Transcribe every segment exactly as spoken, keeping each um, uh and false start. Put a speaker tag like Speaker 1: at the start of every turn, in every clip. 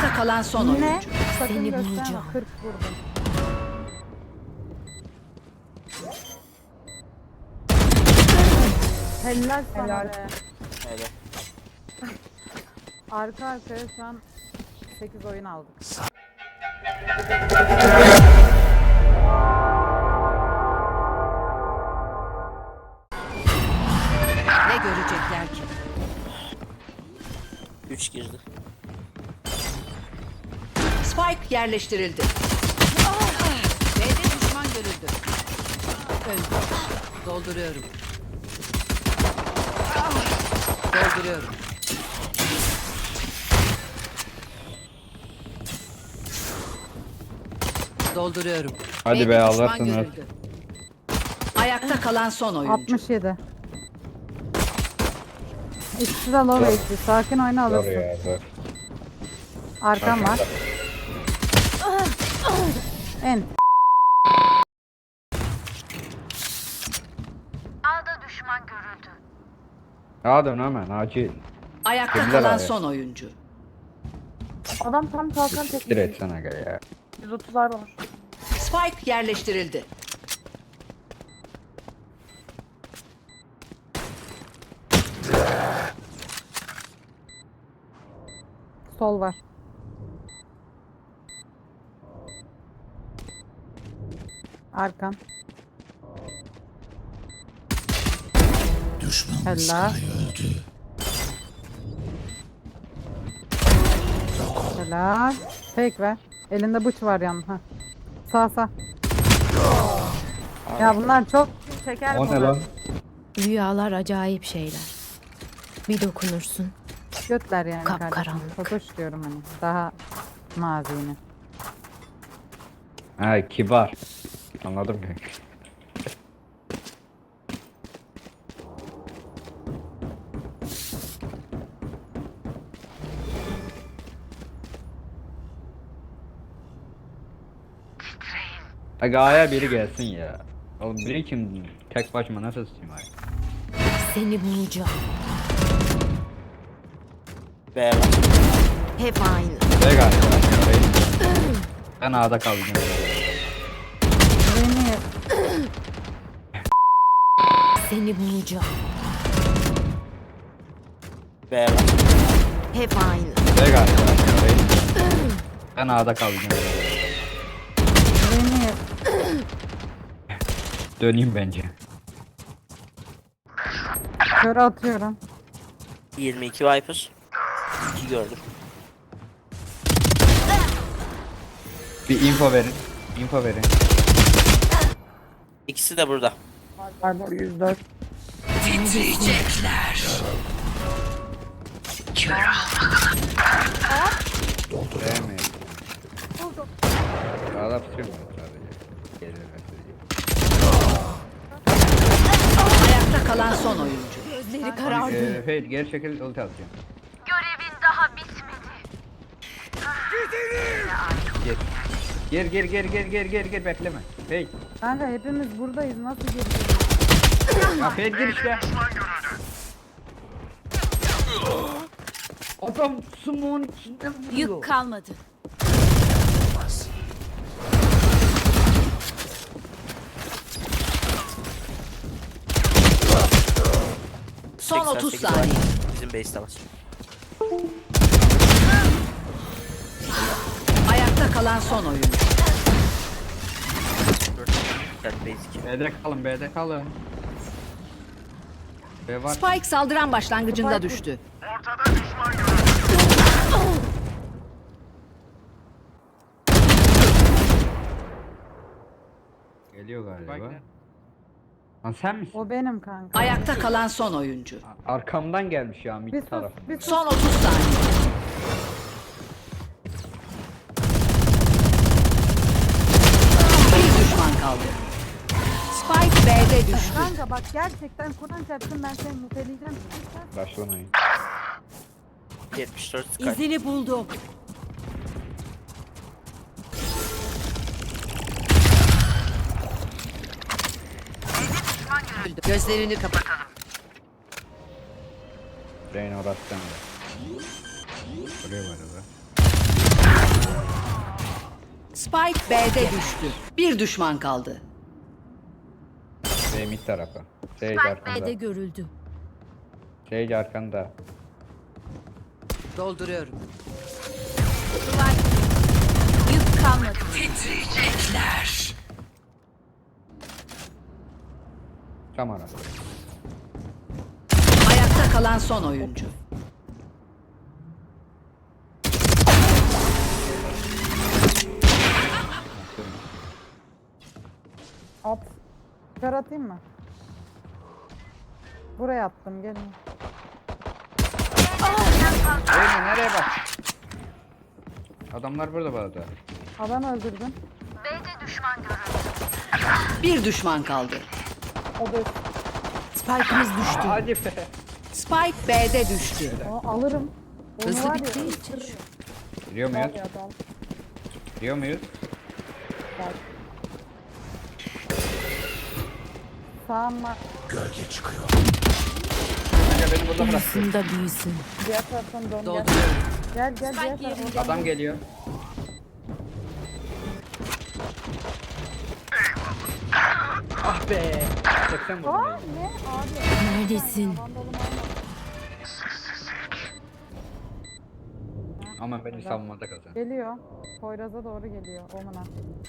Speaker 1: Ayakta kalan son
Speaker 2: Ne?
Speaker 1: oyuncu.
Speaker 2: Sakın
Speaker 3: Seni
Speaker 2: gösterme.
Speaker 3: bulacağım.
Speaker 2: kırk vurdum. Helal sana
Speaker 4: Helal.
Speaker 2: be.
Speaker 5: Öyle.
Speaker 2: Arka arkaya şu an sekiz oyun aldık.
Speaker 1: Ne görecekler ki?
Speaker 5: üç girdi.
Speaker 1: Spike yerleştirildi. B'de düşman görüldü. Öldü. Dolduruyorum. Dolduruyorum. Dolduruyorum.
Speaker 6: Hadi
Speaker 1: B'de
Speaker 6: be,
Speaker 1: düşman
Speaker 6: alırsınız.
Speaker 1: görüldü. Ayakta kalan son oyuncu.
Speaker 2: altmış yedi. İkisi de low H P. Sakin oyna
Speaker 6: Zor
Speaker 2: alırsın.
Speaker 6: ya zor.
Speaker 2: Arkam var. En.
Speaker 6: Hadi hemen acil.
Speaker 1: Ayakta
Speaker 6: Kimler
Speaker 1: kalan
Speaker 6: abi?
Speaker 1: son oyuncu.
Speaker 4: Adam tam kalkan
Speaker 6: Siktir
Speaker 4: tekniği.
Speaker 6: etsene gel ya.
Speaker 4: yüz otuzlar var.
Speaker 1: Spike yerleştirildi.
Speaker 2: Sol var. Arkan. Helal. Helal. Fake ver. Elinde bıç var yanında. Ha. Sağ sağ. Ya bunlar çok çeker
Speaker 6: O ne
Speaker 2: bunu.
Speaker 6: lan?
Speaker 3: Rüyalar acayip şeyler. Bir dokunursun.
Speaker 2: Götler yani
Speaker 3: Kapkaranlık.
Speaker 2: kardeşim. Totoş diyorum hani. Daha nazini.
Speaker 6: Ha kibar. Anladım ki. Aga aya biri gelsin ya. Oğlum biri kim? Tek başıma nasıl tutayım ay?
Speaker 3: Seni bulacağım.
Speaker 5: B var.
Speaker 3: Hep aynı.
Speaker 6: Ne galiba? Ben A'da kalacağım.
Speaker 2: Beni
Speaker 3: Seni bulacağım.
Speaker 5: B var.
Speaker 3: Hep aynı.
Speaker 6: Ne galiba? Ben A'da kalacağım.
Speaker 2: beni
Speaker 6: Döneyim bence.
Speaker 2: kör atıyorum.
Speaker 5: yirmi iki Viper. iki gördüm.
Speaker 6: Bir info verin. Info verin.
Speaker 5: İkisi de burada.
Speaker 4: Barbar yüz dört.
Speaker 1: Titriyecekler.
Speaker 6: Değmeyin. Sağda tutuyorum ben sadece. Gelir
Speaker 1: Ayakta kalan son oyuncu.
Speaker 3: Gözleri karardı.
Speaker 6: Eee Fade geri çekil ulti atacağım.
Speaker 7: Görevin daha bitmedi.
Speaker 6: Gir. Gir gir gir gir gir gir gir bekleme. Fade.
Speaker 2: Kanka hepimiz buradayız. Nasıl gireceğiz?
Speaker 6: Ya Fade gir işte. Adam smoke'un içinde vuruyor.
Speaker 3: Yük kalmadı.
Speaker 1: Son otuz
Speaker 5: seksen sekiz
Speaker 1: saniye.
Speaker 5: var. Bizim base'de var.
Speaker 1: Ayakta kalan son oyuncu.
Speaker 5: Dört base iki.
Speaker 6: B'de kalın B'de kalın. B var.
Speaker 1: Spike saldıran başlangıcında düştü.
Speaker 6: Geliyor galiba. Lan sen misin?
Speaker 2: O benim kanka.
Speaker 1: Ayakta kalan son oyuncu.
Speaker 6: Arkamdan gelmiş ya
Speaker 2: Bir
Speaker 6: mid
Speaker 2: sus,
Speaker 6: tarafından.
Speaker 2: bir sus.
Speaker 1: Son otuz saniye. Bir düşman kaldı. Spike B'de düştü.
Speaker 2: Kanka bak gerçekten Kur'an çarpsın ben seni muteleyeceğim.
Speaker 6: Başlamayın.
Speaker 5: yetmiş dört Sky.
Speaker 3: İzini buldum.
Speaker 1: Gözlerini kapatalım.
Speaker 6: Reyna orası sende. Buraya var orada.
Speaker 1: Spike B'de düştü. Bir düşman kaldı.
Speaker 6: Şey mid tarafı. Sage
Speaker 3: B'de
Speaker 6: arkanda.
Speaker 3: görüldü.
Speaker 6: Sage arkanda.
Speaker 1: Dolduruyorum.
Speaker 3: Yük kalmadı.
Speaker 6: Tam ara.
Speaker 1: Ayakta kalan son oyuncu.
Speaker 2: At. Kör atayım mı? Buraya attım gelin.
Speaker 6: Eymen nereye bak? Adamlar burada bu arada.
Speaker 2: Adam öldürdüm.
Speaker 7: B'de düşman görüldü.
Speaker 1: Bir düşman kaldı.
Speaker 2: O da
Speaker 1: Spike'ımız düştü.
Speaker 6: Hadi be.
Speaker 1: Spike B'de düştü.
Speaker 2: o alırım. Onu
Speaker 1: Hızlı
Speaker 2: var ya,
Speaker 1: bittiği için.
Speaker 2: ısırırım.
Speaker 6: Giriyor muyuz?
Speaker 2: Var ya adam.
Speaker 6: Giriyor muyuz?
Speaker 2: Bak. Sağım var.
Speaker 6: Kanka beni burada bırak.
Speaker 3: Uyusun da büyüsün.
Speaker 2: Diğer taraftan dön gel.
Speaker 1: Dolduruyorum.
Speaker 2: Gel gel diğer taraftan.
Speaker 6: Adam geliyor. Ah be. seksen vurdum.
Speaker 2: Aa
Speaker 6: Eymen.
Speaker 2: ne abi?
Speaker 3: Neredesin?
Speaker 2: Vandalım alma.
Speaker 6: Ama beni savunmada kazan.
Speaker 2: Geliyor. Poyraz'a doğru geliyor. Omuna.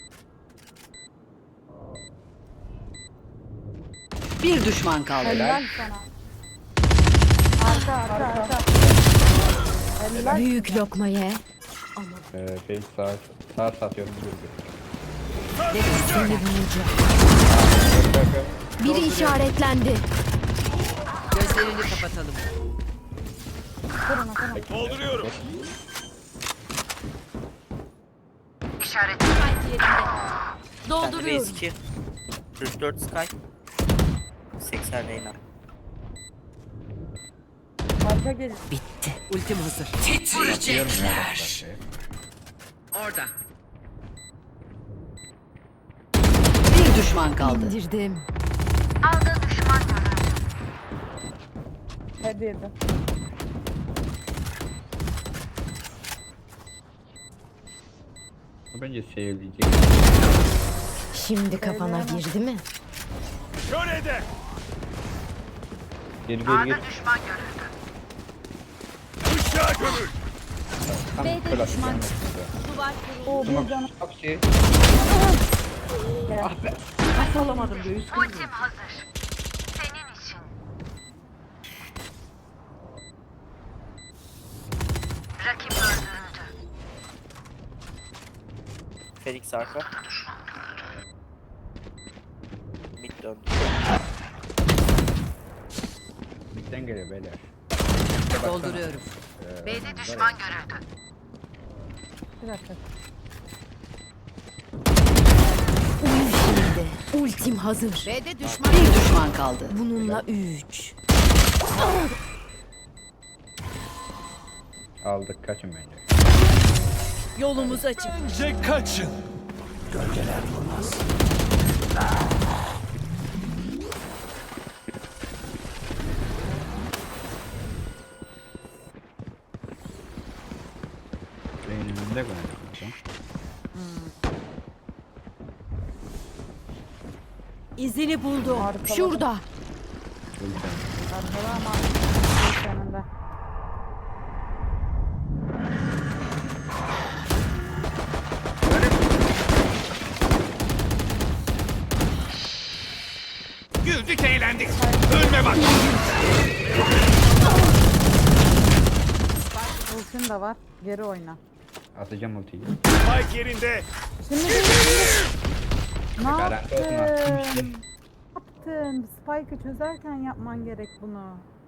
Speaker 1: Bir düşman kaldı.
Speaker 2: Helal sana. Arka arka arka. Helal.
Speaker 3: Büyük lokma ye.
Speaker 6: Ee, şey sağ, sağ satıyorum.
Speaker 3: Seni bulacağım. Biri işaretlendi.
Speaker 1: Gözlerini kapatalım.
Speaker 2: Kurun kurun.
Speaker 8: Dolduruyorum.
Speaker 7: İşaret.
Speaker 5: Bir tane
Speaker 3: Dolduruyorum.
Speaker 5: base iki. kırk dört Sky. seksen Reyna.
Speaker 4: Arka gelin.
Speaker 1: Bitti. Ultim hazır.
Speaker 6: Atıyorum ya bak şey.
Speaker 1: Orada. Bir düşman kaldı.
Speaker 3: İndirdim.
Speaker 7: Alda düşman görüldü.
Speaker 2: Hadi yedi.
Speaker 6: Bu bence sevilecek.
Speaker 3: Şimdi kafana girdi mi?
Speaker 8: Şöyle
Speaker 6: Gir gir gir.
Speaker 7: Düşman görüldü.
Speaker 8: Uşağı gömül.
Speaker 6: Tam klas yani.
Speaker 2: O bir canı.
Speaker 6: Bak şey.
Speaker 7: Ultim hazır. Senin için. Rakip öldürüldü.
Speaker 5: Felix arka. Mid döndü.
Speaker 6: Midden geliyor beyler.
Speaker 1: Dolduruyorum.
Speaker 7: B'de düşman görüldü.
Speaker 2: Bir dakika.
Speaker 3: Uyu şimdi. Ultim hazır.
Speaker 1: B'de düşman. Bir düşman kaldı.
Speaker 3: Bununla üç.
Speaker 6: Aldık kaçın bence.
Speaker 1: Yolumuz açık.
Speaker 8: Bence kaçın.
Speaker 6: Beynimde koyalım.
Speaker 3: İzini buldum.
Speaker 2: Arkaladım.
Speaker 3: Şurada.
Speaker 2: Arkada ama önünde.
Speaker 8: Güldük eğlendik. Ölme bak.
Speaker 2: Ultin de var. Geri oyna.
Speaker 6: Atacağım ultiyi.
Speaker 8: Spike yerinde.
Speaker 2: Şimdi şimdi. Ne
Speaker 6: Garanti olsun
Speaker 2: yaptın?
Speaker 6: attım
Speaker 2: Ne yaptın? Spike'ı çözerken yapman gerek bunu.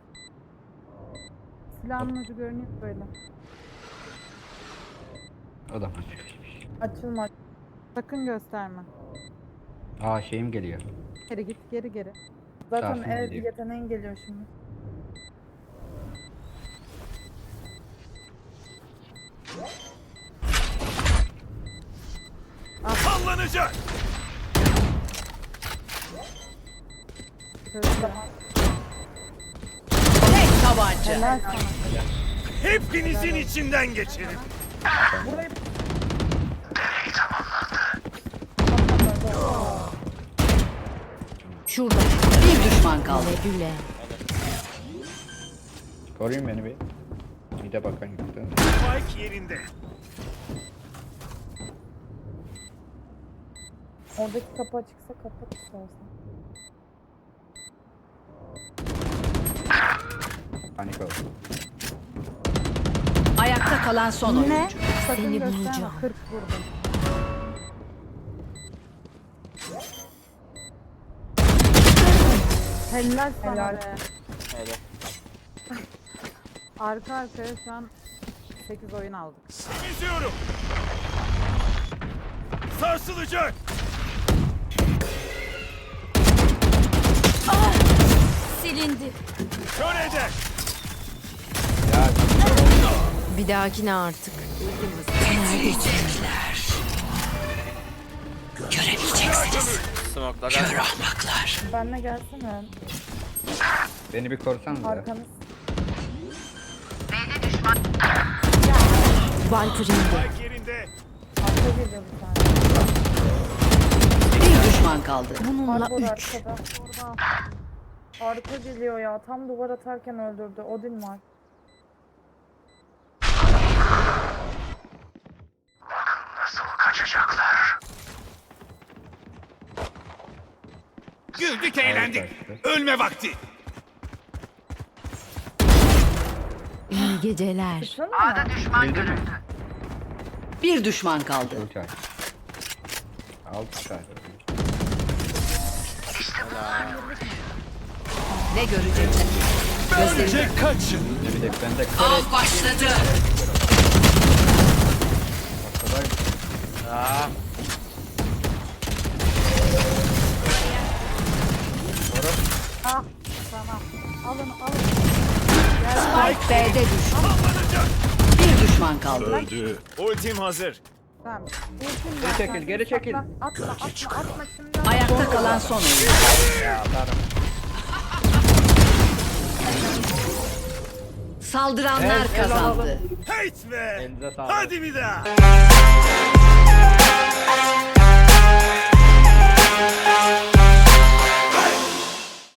Speaker 2: Silahın ucu görünüyor böyle.
Speaker 6: O da
Speaker 4: Açılma.
Speaker 2: Sakın gösterme.
Speaker 6: Aa şeyim geliyor.
Speaker 2: Geri git, geri geri.
Speaker 4: Zaten
Speaker 6: Sarsın
Speaker 4: ev
Speaker 6: gidiyor.
Speaker 4: yeteneğin geliyor şimdi.
Speaker 8: Sallanacak.
Speaker 2: Çözdü.
Speaker 1: Tek tabanca.
Speaker 2: Helal sana.
Speaker 8: Hepinizin içinden geçerim.
Speaker 3: Şurada.
Speaker 1: Bir düşman kaldı.
Speaker 3: Güle güle.
Speaker 6: Koruyun beni bir. Bir de bakan yoktu.
Speaker 8: Spike yerinde.
Speaker 4: Oradaki kapı açıksa kapat istersen.
Speaker 6: Panik oldu.
Speaker 1: Ayakta kalan son oyuncu.
Speaker 2: Ne? Sakın
Speaker 3: Seni
Speaker 2: gösterme.
Speaker 3: bulacağım.
Speaker 2: kırk vurdum. Helal sana
Speaker 4: Helal.
Speaker 2: be.
Speaker 5: Öyle.
Speaker 2: Arka arkaya şu an sekiz oyun aldık.
Speaker 8: Geziyorum. Sarsılacak.
Speaker 3: Silindi.
Speaker 8: Kör eder.
Speaker 6: Ya
Speaker 3: Bir dahakine artık.
Speaker 1: Göremeyeceksiniz.
Speaker 5: Smoke'la
Speaker 1: Kör
Speaker 5: gel.
Speaker 1: ahmaklar.
Speaker 4: Benle gelsene.
Speaker 6: beni bir korsanız ya.
Speaker 4: Arkanız.
Speaker 3: Viper indi.
Speaker 8: Spike yerinde.
Speaker 4: Arka geliyor bir tane.
Speaker 1: Bir düşman kaldı.
Speaker 3: Bununla
Speaker 4: Arbor
Speaker 3: üç.
Speaker 4: arkada. Orada. Arka geliyor ya. Tam duvar atarken öldürdü. Odin var.
Speaker 8: Güldük eğlendik.
Speaker 6: kaçtı.
Speaker 8: Ölme vakti.
Speaker 3: İyi geceler.
Speaker 4: Sıçrana mı?
Speaker 6: Bildi mi?
Speaker 1: Bir düşman kaldı.
Speaker 6: Ulti aç. Alt çıkar.
Speaker 1: Ne görecekler?
Speaker 8: Bence kaçın.
Speaker 6: Ne bir de ben de
Speaker 1: Av başladı.
Speaker 6: kadar
Speaker 5: Aa,
Speaker 2: Ah tamam. Alın alın.
Speaker 1: Spike B'de düştü. Bir düşman kaldı.
Speaker 8: Öldü. Ultim hazır.
Speaker 2: Tamam. Ultim
Speaker 6: Geri
Speaker 2: var.
Speaker 6: çekil,
Speaker 2: Sen
Speaker 6: geri çekil.
Speaker 2: saklan. Atma atma atma şimdi.
Speaker 1: Ayakta kalan son oyuncu.
Speaker 6: ya atarım.
Speaker 1: Saldıranlar
Speaker 6: Evet, el
Speaker 1: kazandı.
Speaker 6: alalım.
Speaker 8: Hate be.
Speaker 6: Elinize sağlık.
Speaker 8: Hadi bir daha.